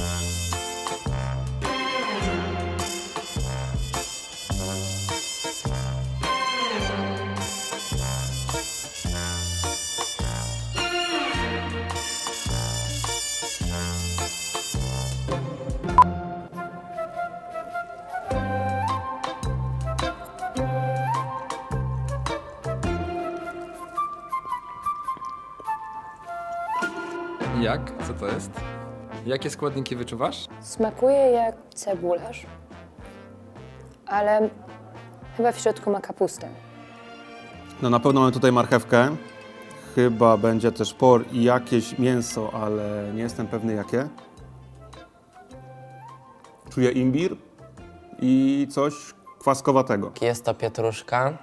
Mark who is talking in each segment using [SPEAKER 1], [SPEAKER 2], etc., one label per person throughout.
[SPEAKER 1] Jak? Co to jest? Jakie składniki wyczuwasz?
[SPEAKER 2] Smakuje jak cebularz, ale chyba w środku ma kapustę.
[SPEAKER 3] No na pewno mamy tutaj marchewkę. Chyba będzie też por i jakieś mięso, ale nie jestem pewny jakie. Czuję imbir i coś kwaskowatego.
[SPEAKER 4] Jest to pietruszka.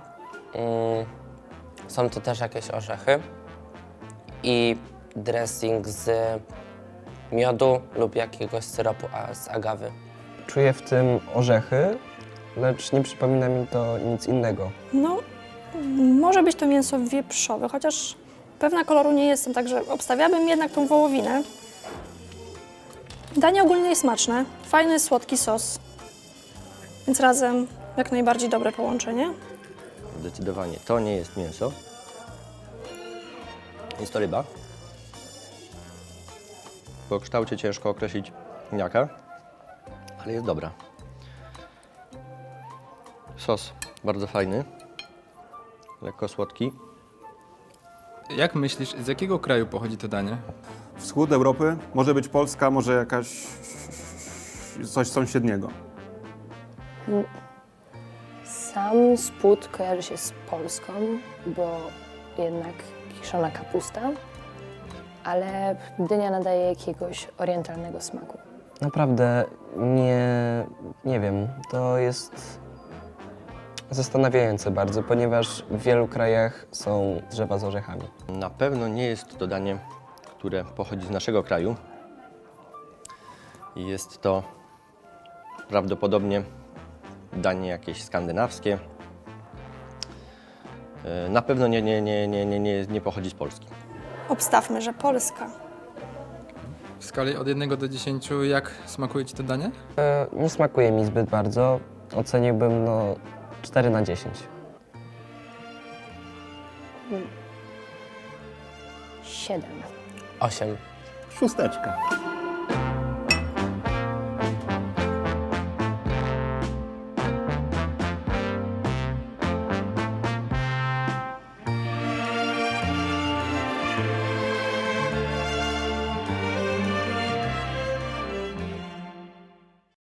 [SPEAKER 4] Są to też jakieś orzechy. I dressing z miodu lub jakiegoś syropu z agawy.
[SPEAKER 5] Czuję w tym orzechy, lecz nie przypomina mi to nic innego.
[SPEAKER 6] No, może być to mięso wieprzowe, chociaż pewna koloru nie jestem, także obstawiałabym jednak tą wołowinę. Danie ogólnie jest smaczne, fajny, słodki sos, więc razem jak najbardziej dobre połączenie.
[SPEAKER 7] Zdecydowanie to nie jest mięso. Jest to ryba. Po kształcie ciężko określić jaka, ale jest dobra. Sos bardzo fajny, lekko słodki.
[SPEAKER 1] Jak myślisz, z jakiego kraju pochodzi to danie?
[SPEAKER 3] Wschód Europy, może być Polska, może jakaś coś sąsiedniego.
[SPEAKER 2] Sam spód kojarzy się z Polską, bo jednak kiszona kapusta, ale dynia nadaje jakiegoś orientalnego smaku.
[SPEAKER 5] Naprawdę nie wiem, to jest zastanawiające bardzo, ponieważ w wielu krajach są drzewa z orzechami.
[SPEAKER 7] Na pewno nie jest to danie, które pochodzi z naszego kraju. Jest to prawdopodobnie danie jakieś skandynawskie. Na pewno nie pochodzi z Polski.
[SPEAKER 6] Obstawmy, że Polska.
[SPEAKER 1] W skali od 1 do 10, jak smakuje ci to danie?
[SPEAKER 5] Nie smakuje mi zbyt bardzo, oceniłbym 4 na 10.
[SPEAKER 2] 7.
[SPEAKER 4] 8.
[SPEAKER 3] Szósteczka.